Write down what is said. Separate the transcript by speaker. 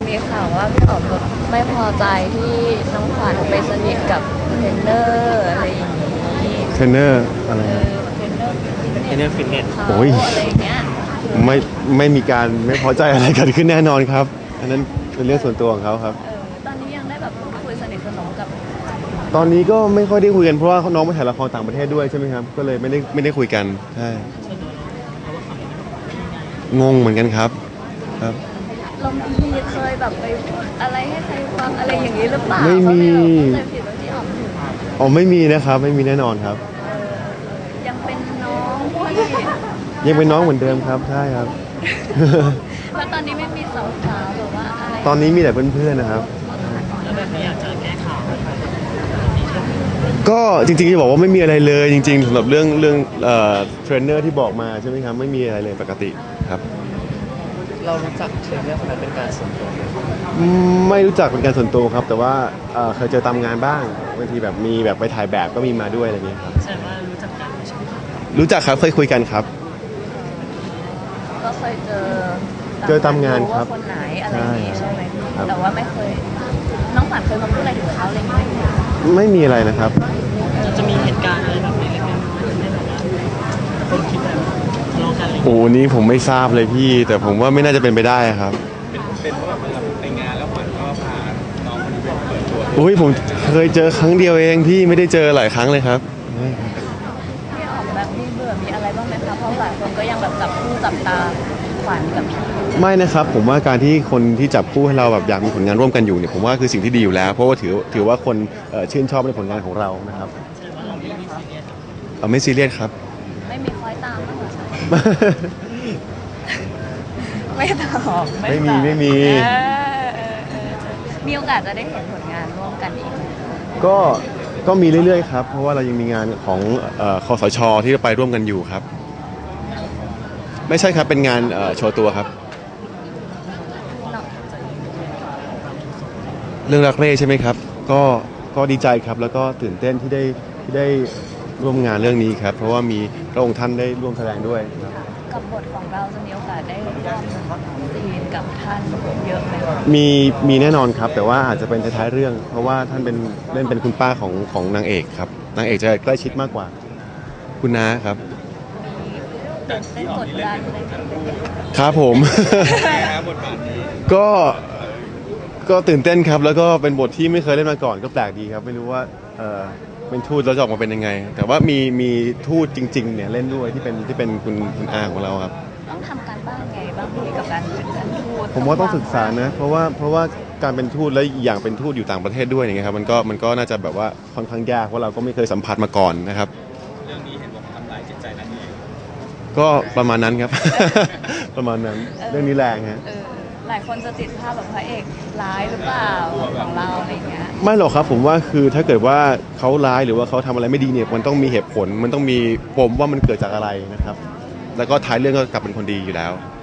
Speaker 1: มีข่าวว่าพี่อ๋อมแบบไม่พอใจที่น้องขวัญไปสนิทกับเทรนเนอร์อะไรอย่างนี้
Speaker 2: เทรนเนอร์อะไร
Speaker 1: เทรนเนอร์
Speaker 3: ฟิตเนส
Speaker 1: เขา
Speaker 2: โอ้ย
Speaker 1: อะไรอย่างเงี้ย
Speaker 2: ไม่ไม่มีการไม่พอใจอะไรเกิดขึ้นแน่นอนครับอันนั้นเป็นเรื่องส่วนตัวของเขาครับ
Speaker 1: ตอนนี้ยังได้แบบพูดคุยสนิทสนมกับ
Speaker 2: ตอนนี้ก็ไม่ค่อยได้คุยกันเพราะว่าน้องไปถ่ายละครต่างประเทศด้วยใช่ไหมครับก็เลยไม่ได้คุยกันใช่งงเหมือนกันครับ
Speaker 1: เรามีเคยแบบไปพูดอะไรให้ใครฟังอะไรอย่างนี้หรือเปล่า
Speaker 2: ไม่มี
Speaker 1: เคยผิดว่าพี่อ๋อม
Speaker 2: อ๋อไม่มีนะครับไม่มีแน่นอนครับ
Speaker 1: ยังเป็นน้องที่
Speaker 2: ยังเป็นน้องเหมือนเดิมครับใช่ครับ
Speaker 1: แล้วตอนนี้ไม่มีสาวๆหรือว่าอะไร
Speaker 2: ตอนนี้มีแต่เพื่อนๆนะครับ
Speaker 3: แล้วแบบนี้อยากจะแก้ข่าว
Speaker 2: ก็จริงๆจะบอกว่าไม่มีอะไรเลยจริงๆสำหรับเรื่องเทรนเนอร์ที่บอกมาใช่ไหมครับไม่มีอะไรเลยปกติครับ
Speaker 3: เรารู้จักเทรนเนอร์คนนั้นเป็นการส่วนตัว
Speaker 2: ไม่รู้จักเป็นการส่วนตัวครับแต่ว่าเคยเจอตามงานบ้างบางทีแบบมีแบบไปถ่ายแบบก็มีมาด้วยอะไรเงี้ยครับ
Speaker 3: แสดงว่ารู้จักกันใช่ไหม
Speaker 2: รู้จักครับเคยคุยกันครับ
Speaker 1: ก็เคย
Speaker 2: เจอตามงานครับ
Speaker 1: คนไหนอะไรอย่างงี้ใช่ไหมแต่ว่าไม่เคยน้องขวัญเคยมาพูดอะไรถึงเขาอะไรไหม
Speaker 2: ไม่มีอะไรนะครับ
Speaker 3: จะมีเหตุการณ์อะไรแบบนี้เล็กน้อยให้แบบว่าคนคิดแบบทะเลาะกันอะไร
Speaker 2: โอ้นี้ผมไม่ทราบเลยพี่แต่ผมว่าไม่น่าจะเป็นไปได้ครับ
Speaker 4: เป็นเพราะแบบไปงานแล้วขวัญก็พาน้องคนนี้ไปเปิดตัว
Speaker 2: อุ้ยผมเคยเจอครั้งเดียวเองพี่ไม่ได้เจอหลายครั้งเลยครับ
Speaker 1: พี่อ๋อมแบบมีเบื่อมีอะไรบ้างไหมคะเพราะหลายคนก็ยังแบบจับคู่จับตาขวัญกับพี่
Speaker 2: ไม่นะครับผมว่าการที่คนที่จับคู่ให้เราแบบอยากมีผลงานร่วมกันอยู่เนี่ยผมว่าคือสิ่งที่ดีอยู่แล้วเพราะว่าถือว่าคนชื่นชอบในผลงานของเรานะครับไม่ซีเรียสครับ
Speaker 1: ไม่มีคอยตามบ้างเหรอไม่ตอบ
Speaker 2: ไม่มี
Speaker 1: มีโอกาสจะได้เห็นผลงานร่วมกันอีก
Speaker 2: ก็มีเรื่อยๆครับเพราะว่าเรายังมีงานของคสช.ที่ไปร่วมกันอยู่ครับไม่ใช่ครับเป็นงานโชว์ตัวครับเรื่องรักเร่ใช่ไหมครับก็ดีใจครับแล้วก็ตื่นเต้นที่ได้ร่วมงานเรื่องนี้ครับเพราะว่ามีพระองค์ท่านได้ร่วมแสดงด้วยครับ
Speaker 1: กับบทของเราจะมีโอกาสได้ร่วมซีนกับท่านเยอะไหม
Speaker 2: มีแน่นอนครับแต่ว่าอาจจะเป็นท้ายๆเรื่องเพราะว่าท่านเล่นเป็นคุณป้าของนางเอกครับนางเอกจะใกล้ชิดมากกว่าคุณน้าครับ
Speaker 1: ได้กดดันเลย
Speaker 2: ครับผมก็ก็ตื่นเต้นครับแล้วก็เป็นบทที่ไม่เคยเล่นมาก่อนก็แปลกดีครับไม่รู้ว่าเป็นทูตแล้วจะออกมาเป็นยังไงแต่ว่ามีทูตจริงๆเนี่ยเล่นด้วยที่เป็นคุณอาของเราครับ
Speaker 1: ต้องทำการบ้านไงบ้างกับการเป็นทูต
Speaker 2: ผมว่าต้องศึกษานะเพราะว่าการเป็นทูตและอย่างเป็นทูตอยู่ต่างประเทศด้วยอย่างเงี้ยครับมันก็น่าจะแบบว่าค่อนข้างยากเพราะเราก็ไม่เคยสัมผัสมาก่อนนะครับ
Speaker 4: เรื่องนี้เห็นบอกทำลายจิตใจนางเอก
Speaker 2: ก็ประมาณนั้นครับ ประมาณนั้นเรื่องนี้แรงฮะ
Speaker 1: หลายคนจะติดภาพแบบพระเอกร้ายหรือเปล่าของเราอะไรเงี้ย
Speaker 2: ไม่หรอกครับผมว่าคือถ้าเกิดว่าเขาร้ายหรือว่าเขาทำอะไรไม่ดีเนี่ยมันต้องมีเหตุผลมันต้องมีปมว่ามันเกิดจากอะไรนะครับแล้วก็ท้ายเรื่องก็กลับเป็นคนดีอยู่แล้ว